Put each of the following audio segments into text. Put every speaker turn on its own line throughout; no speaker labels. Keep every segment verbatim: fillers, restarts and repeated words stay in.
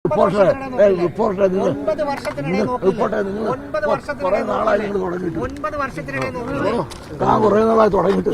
Reporter reporter നിങ്ങൾ reporter നിങ്ങൾ കുറെ നാളായി നിങ്ങൾ തുടങ്ങിയിട്ട് താൻ കുറെ നാളായി തുടങ്ങിയിട്ട്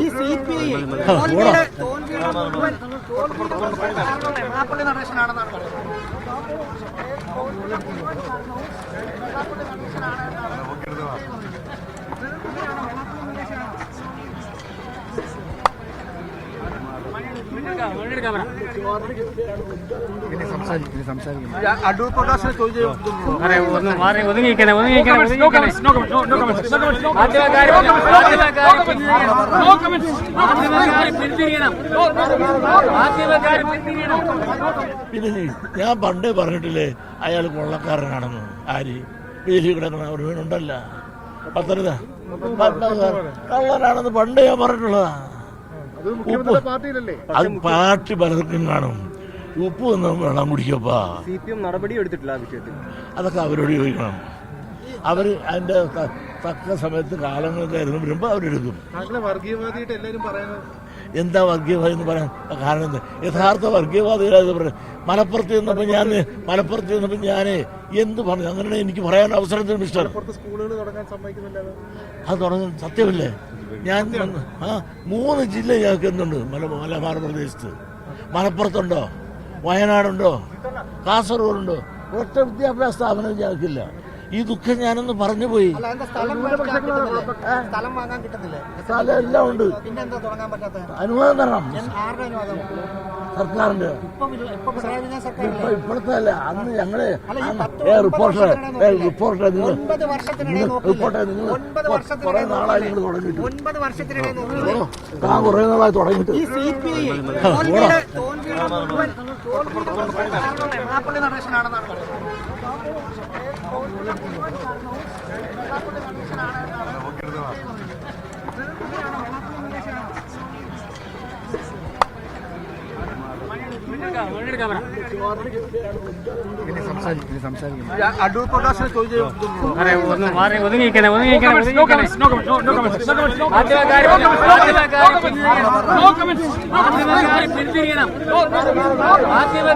പിന്നെ ഞാൻ പണ്ടേ പറഞ്ഞിട്ടില്ലേ അയാൾ കൊള്ളക്കാരനാണെന്ന്. ആര് വേലി കിടക്കണ ഒരു വീണുണ്ടല്ല പത്തനംതിട്ട കള്ളനാണെന്ന് പണ്ടേ ഞാൻ പറഞ്ഞിട്ടുള്ളതാ. അത് പാർട്ടി പലർക്കും കാണും. ഉപ്പ് വന്ന് വെള്ളം കുടിക്കപ്പാ.
നടപടി എടുത്തിട്ടില്ല
അതൊക്കെ അവരോട് ചോദിക്കണം. അവർ അതിന്റെ തക്ക സമയത്ത് കാലങ്ങൾക്ക് ആയിരുന്നു വരുമ്പോ അവരെടുക്കും. എന്താ വർഗീയവാദി എന്ന് പറയാൻ കാരണം എന്താ? യഥാർത്ഥ വർഗീയവാദികളായത് പറയാം. മലപ്പുറത്ത് ചെന്നപ്പോ ഞാൻ മലപ്പുറത്ത് ചെന്നപ്പോ ഞാൻ എന്ത് പറഞ്ഞു? അങ്ങനെ എനിക്ക് പറയാൻ അവസരത്തിൽ മിസ്റ്റർ അത് തുടങ്ങാൻ സത്യമല്ലേ? ഞാൻ ആ മൂന്ന് ജില്ല ഞങ്ങൾക്ക് എന്തുണ്ട് മല മലബാർ പ്രദേശത്ത്. മലപ്പുറത്തുണ്ടോ, വയനാടുണ്ടോ, കാസർഗോഡുണ്ടോ? ഒറ്റ വിദ്യാഭ്യാസ സ്ഥാപനം ഞങ്ങൾക്കില്ല. ഈ ദുഃഖം ഞാനൊന്ന് പറഞ്ഞു പോയി. സ്ഥലം എല്ലാം ഉണ്ട്. അനുവാദം തരണം സർക്കാരിന്റെ. ഇപ്പോഴത്തെ അല്ല, അന്ന് ഞങ്ങള് റിപ്പോർട്ടർ റിപ്പോർട്ടർ നിങ്ങൾ റിപ്പോർട്ടർ നിങ്ങൾ കുറെ നാളായി നിങ്ങൾ തുടങ്ങിയിട്ട് താൻ കുറെ നാളായി തുടങ്ങിയിട്ട്
ഒതുങ്ങിയിരിക്കണം.